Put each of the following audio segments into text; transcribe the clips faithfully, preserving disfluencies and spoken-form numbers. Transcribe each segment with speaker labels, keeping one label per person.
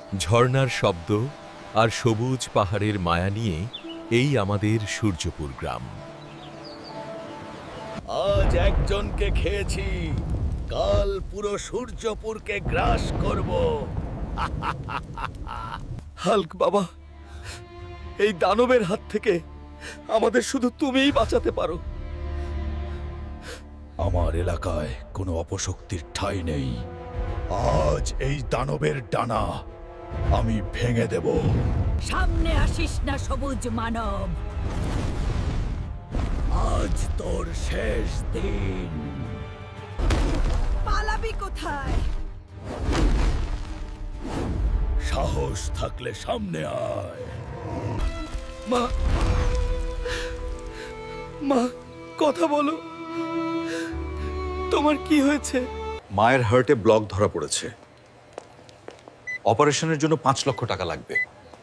Speaker 1: ঝর্ণার শব্দ আর সবুজ পাহাড়ের মায়া নিয়ে এই আমাদের সূর্যপুর গ্রাম।
Speaker 2: আজ একজনকে খেয়েছি, কাল পুরো সূর্যপুরকে গ্রাস করব। হাল্ক বাবা, এই দানবের হাত থেকে আমাদের শুধু তুমিই বাঁচাতে পারো। আমার এলাকায় কোনো অপশক্তির ঠাঁই নেই। আজ এই দানবের ডানা আমি ভেঙে দেব।
Speaker 3: সামনে আসিস না সবুজ মানব,
Speaker 2: আজ তোর শেষ দিন।
Speaker 3: পালাবি কোথায়?
Speaker 2: সাহস থাকলে সামনে আয়। মা, মা, কথা বলো। তোমার কি হয়েছে?
Speaker 4: মায়ের হার্টে ব্লক ধরা পড়েছে। অপারেশনের জন্য পাঁচ লক্ষ টাকা লাগবে।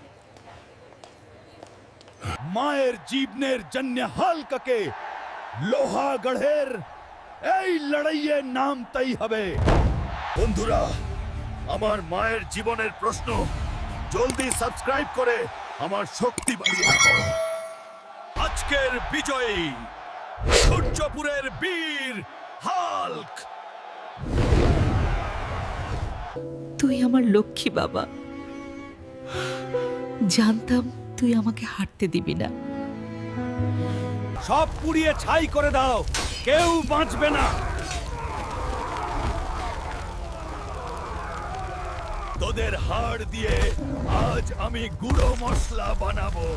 Speaker 2: মায়ের জীবনের জন্য হালকাকে লোহাগড়ের এই লড়াইয়ে নামতেই হবে। বন্ধুরা, আমার মায়ের জীবনের প্রশ্ন জলদি সাবস্ক্রাইব করে আমার শক্তি বাড়িয়ে রাখো। আজকের বিজয়ী সূর্যপুরের বীর হাল্ক।
Speaker 5: তুই আমার লক্ষ্মী বাবা, জানতাম তুই আমাকে হাঁটতে দিবি না।
Speaker 2: সব পুড়িয়ে ছাই করে দাও, কেউ বাঁচবে না। তোদের হাড় দিয়ে আজ আমি গুঁড়ো মশলা বানাবো।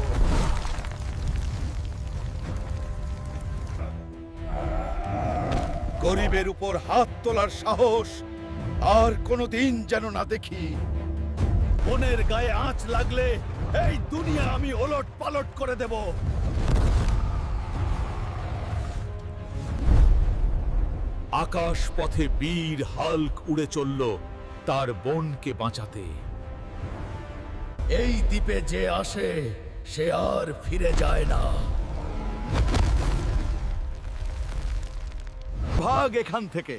Speaker 2: গরিবের উপর হাত তোলার সাহস আর কোনোদিন যেন না দেখি। বনের গায়ে আঁচ লাগলে এই দুনিয়া আমি ওলট পালট করে দেব। আকাশ পথে বীর হাল্ক উড়ে চলল তার বোনকে বাঁচাতে। এই দ্বীপে যে আসে সে আর ফিরে যায় না। ভাগ এখান থেকে।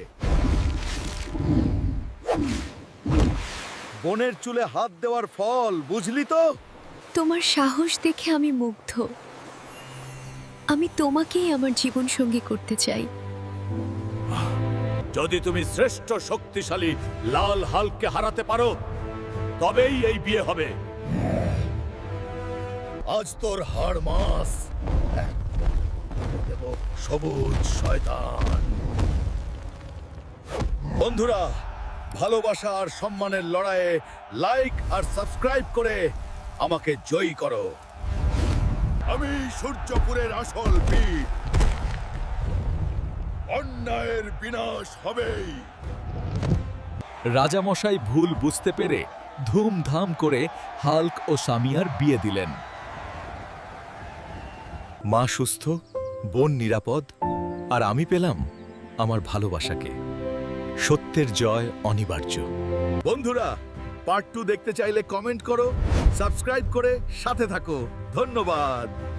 Speaker 2: বোনের চুলে হাত দেওয়ার ফল বুঝলি তো?
Speaker 6: তোমার সাহস দেখে আমি মুগ্ধ। আমি তোমাকেই আমার জীবন সঙ্গী করতে চাই।
Speaker 2: যদি তুমি শ্রেষ্ঠ শক্তিশালী লাল হাল্ককে হারাতে পারো তবেই এই বিয়ে হবে। আজ তোর হাড় মাস দেব সবুজ শয়তান। বন্ধুরা, ভালোবাসা আর সম্মানের লড়াইয়ে লাইক আর সাবস্ক্রাইব করে আমাকে জয়ী করো। আমি সূর্যপুরের আসল বীর। অন্যায়ের বিনাশ হবেই।
Speaker 1: রাজামশাই ভুল বুঝতে পেরে ধুমধাম করে হাল্ক ও সামিয়ার বিয়ে দিলেন। মা সুস্থ, বোন নিরাপদ, আর আমি পেলাম আমার ভালোবাসাকে। সত্যের জয় অনিবার্য।
Speaker 2: বন্ধুরা, পার্ট টু দেখতে চাইলে কমেন্ট করো, সাবস্ক্রাইব করে সাথে থাকো। ধন্যবাদ।